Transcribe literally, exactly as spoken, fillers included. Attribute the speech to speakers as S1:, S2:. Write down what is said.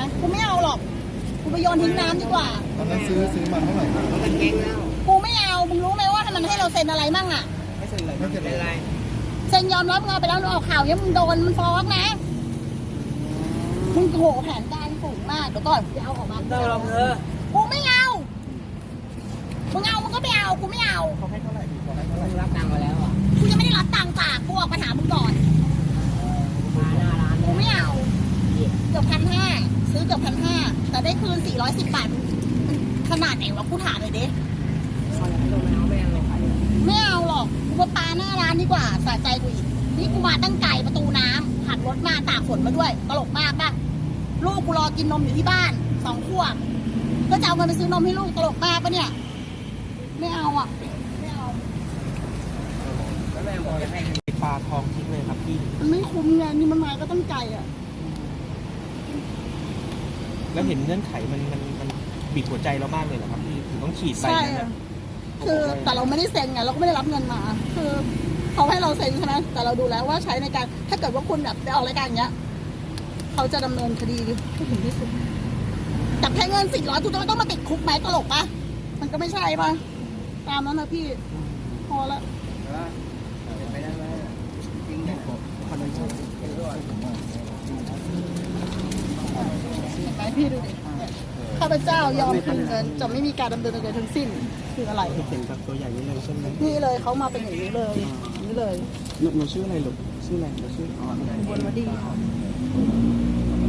S1: กูไม่เอาหรอกกูไปโยนทิ้งน้ำดีกว่า
S2: ตอนนั้นซื้อซื้อมาเท่าไหร่
S3: มันเก่งแล้ว
S1: กูไม่เอามึงรู้ไหมว่ามันให้เราเซ็นอะไรมั่งอ่ะ
S3: ไม่เซ็นอะไรไม่เซ็นอะไร
S1: เซ็นยอมรับเงินไปแล้วออกข่าวยังมึงโดนมันฟ้องนะมึงโหแผนการสูงมากเดี๋ยวก่อนไปเอาออกมา
S3: เราลองเธอ
S1: กูไม่เอามึงเอามึงก็ไปเอากูไม่เอา
S2: เขาให้เท่าไหร่ดีเขาให้เท่าไหร่
S3: รับตังค์มาแล้วอ่ะ
S1: กูยังไม่ได้รับตังค์จากกูออกมาถามมึงก่อน
S3: มาหน้าร้าน
S1: กูไม่เอาเกือบพันห้าซื้อเกือบพันห้าแต่ได้คืนสี่ร้อยสิบบาทขนาดไหนวะกูถามเลยเด้ไม่เอาหรอกกูมาปาหน้าร้านดีกว่าสะใจกูอีกนี่กูมาตั้งไก่ประตูน้ำขับรถมาตากฝนมาด้วยตลกมากป่ะลูกกูรอกินนมอยู่ที่บ้านสองขวบก็จะเอาเงินไปซื้อนมให้ลูกตลกมากปะเนี่ยไม่เอาอ่ะไม่เอา
S3: แล้วแม่บอกจะให้ปลาทองทิ้งเลยครับพี่
S1: มันไม่คุ้มไงนี่มันมาก็ตั้งใจอ่ะ
S3: แล้วเห็นเงื่อนไขมันมันมันบีบหัวใจเรามากเลยเหรอครับพี่ถึงต้องขีดไปนะ
S1: คือแต่เราไม่ได้เซ็นไงเราก็ไม่ได้รับเงินมาคือเขาให้เราเซ็นใช่ไหมแต่เราดูแล้วว่าใช้ในการถ้าเกิดว่าคุณแบบไปออกรายการอย่างเงี้ยเขาจะดำเนินคดีให้ถึงที่สุดจับแค่เงินสี่ร้อยกูจะไม่ต้องมาติดคุกไหมตลกปะมันก็ไม่ใช่ปะตามนั้นนะพี่พอละ
S3: ไปได้ไหมจริงเนี่ยคนนั้นชอบเป็นด้วย
S1: เห็นไหมพี่ดูดิข้าพเจ้ายอมคืนเงินจะไม่มีการดำเนินคดีทั้งสิ้นคืออะไร
S3: เห็นแบบตัวใหญ่นี้เลยใช่ไหม
S1: นี่เลยเขามาเป็นอย่างนี้เลยนี่เลย
S3: หนูชื่ออะไรลูกชื่ออะไรหนูชื่ออ๋อบ
S1: นวดี